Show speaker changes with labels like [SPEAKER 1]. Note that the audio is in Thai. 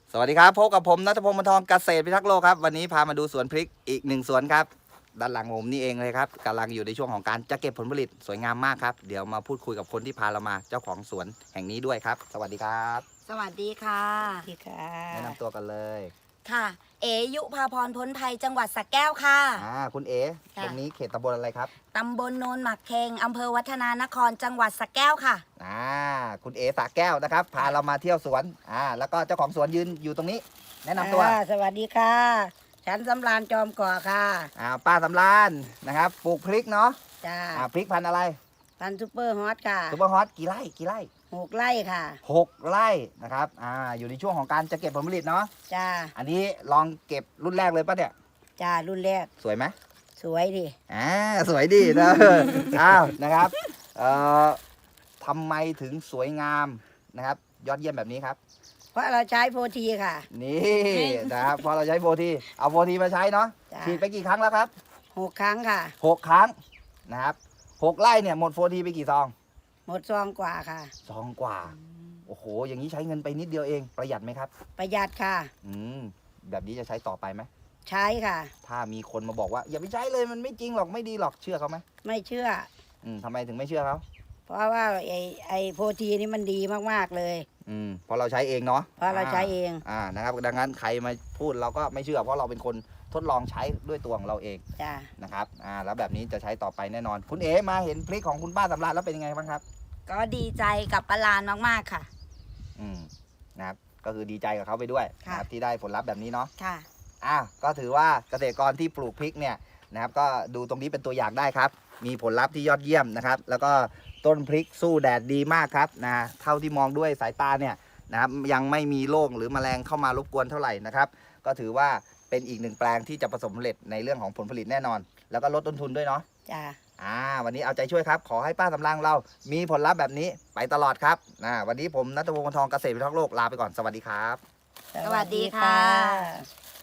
[SPEAKER 1] สวัสดีครับพบกับผมณัฐพงศ์ บรรทองเกษตรพิทักษ์โลกครับวันนี้พามาดูสวนพริกอีกหนึ่งสวนครับด้านหลังผมนี่เองเลยครับกำลังอยู่ในช่วงของการจะเก็บผลผลิตสวยงามมากครับเดี๋ยวมาพูดคุยกับคนที่พาเรามาเจ้าของสวนแห่งนี้ด้วยครับสวัสดีครับ
[SPEAKER 2] สวัสดีค่ะ
[SPEAKER 3] สวัสดีค่ะ
[SPEAKER 1] แนะนำตัวกันเลย
[SPEAKER 2] ค่ะ เอยุพาพรพ้นภัยจังหวัดสระแก้วค่ะ
[SPEAKER 1] คุณเอ๋
[SPEAKER 2] ค่ะ
[SPEAKER 1] ตรงนี้เขตตำบลอะไรครับ
[SPEAKER 2] ตำบลโนนหมักเคงอำเภอวัฒนานครจังหวัดสระแก้วค่ะ
[SPEAKER 1] คุณเอ๋สระแก้วนะครับพาเรามาเที่ยวสวนแล้วก็เจ้าของสวนยืนอยู่ตรงนี้ แนะนำตัว
[SPEAKER 3] สวัสดีค่ะ ฉันสำราญจอมก่อค่ะ
[SPEAKER 1] ป้าสำราญนะครับปลูกพริกเนาะ
[SPEAKER 3] จ้า
[SPEAKER 1] พริกพันธุ์อะไร
[SPEAKER 3] พันธุ์ซุปเปอร์ฮอตค่ะ
[SPEAKER 1] ซุปเปอร์ฮอตกี่ไร่
[SPEAKER 3] 6 ไร่ค่ะ
[SPEAKER 1] 6 ไร่นะครับอยู่ในช่วงของการจะเก็บผลผลิตเนาะ
[SPEAKER 3] จ้า
[SPEAKER 1] อันนี้ลองเก็บรุ่นแรกเลยป่ะเนี่ย
[SPEAKER 3] จ้า รุ่นแรก
[SPEAKER 1] สวยไหม
[SPEAKER 3] สวยดิ
[SPEAKER 1] สวยดีนะ นะครับทำไมถึงสวยงามนะครับ ยอดเยี่ยมแบบนี้ครับ
[SPEAKER 3] เพราะเราใช้โฟทีค่ะ
[SPEAKER 1] นี่นะครับพอเราใช้โฟทีเอาโฟทีมาใช้เนาะ
[SPEAKER 3] จ้ะ
[SPEAKER 1] ฉีดไปกี่ครั้งแล้วครับ
[SPEAKER 3] 6 ครั้งค่ะ
[SPEAKER 1] 6 ครั้งนะครับ6 ไร่เนี่ยหมดโฟทีไปกี่ซอง
[SPEAKER 3] หมดซองกว่าค่ะ
[SPEAKER 1] ซองกว่าโอ้โหอย่างนี้ใช้เงินไปนิดเดียวเองประหยัดไหมครับ
[SPEAKER 3] ประหยัดค่ะ
[SPEAKER 1] แบบนี้จะใช้ต่อไปไหม
[SPEAKER 3] ใช้ค่ะ
[SPEAKER 1] ถ้ามีคนมาบอกว่าอย่าไปใช้เลยมันไม่จริงหรอกไม่ดีหรอกเชื่อเขาไหม
[SPEAKER 3] ไม่เชื่อ
[SPEAKER 1] ทำไมถึงไม่เชื่อเขา
[SPEAKER 3] เพราะว่าไอโฟทีนี่มันดีมากๆเลย
[SPEAKER 1] เพราะเราใช้เองเนาะ
[SPEAKER 3] เพราะเราใช้เอง
[SPEAKER 1] นะครับดังนั้นใครมาพูดเราก็ไม่เชื่อเพราะเราเป็นคนทดลองใช้ด้วยตัวของเราเอง
[SPEAKER 3] จ้า
[SPEAKER 1] นะครับแล้วแบบนี้จะใช้ต่อไปแน่นอน คุณเอ๋มาเห็นพริกของคุณป้าสำราญแล้วเป็นยังไงบ้างครับ
[SPEAKER 2] ก็ดีใจกับปลาลานมากๆค่ะ
[SPEAKER 1] นะครับก็คือดีใจกับเขาไปด้วย
[SPEAKER 2] ค่ะ
[SPEAKER 1] นะครับที่ได้ผลลัพธ์แบบนี้เนาะ
[SPEAKER 2] ค่ะ
[SPEAKER 1] ก็ถือว่าเกษตรกรที่ปลูกพริกเนี่ยนะครับก็ดูตรงนี้เป็นตัวอย่างได้ครับ มีผลลัพธ์ที่ยอดเยี่ยมนะครับ แล้วก็ต้นพริกสู้แดดดีมากครับเท่าที่มองด้วยสายตาเนี่ยนะครับยังไม่มีโรคหรือแมลงเข้ามารบกวนเท่าไหร่นะครับ ก็ถือว่าเป็นอีกหนึ่งแปลงที่จะประสบผลสำเร็จในเรื่องของผลผลิตแน่นอน แล้วก็ลดต้นทุนด้วยเนาะ
[SPEAKER 3] จ้า
[SPEAKER 1] วันนี้เอาใจช่วยครับ ขอให้ป้าสำรางเรามีผลลัพธ์แบบนี้ไปตลอดครับวันนี้ผมณัฐพงศ์ บรรทองเกษตรพิทักษ์โลกลาไปก่อนสวัสดีครับ
[SPEAKER 2] สวัสดีค่ะ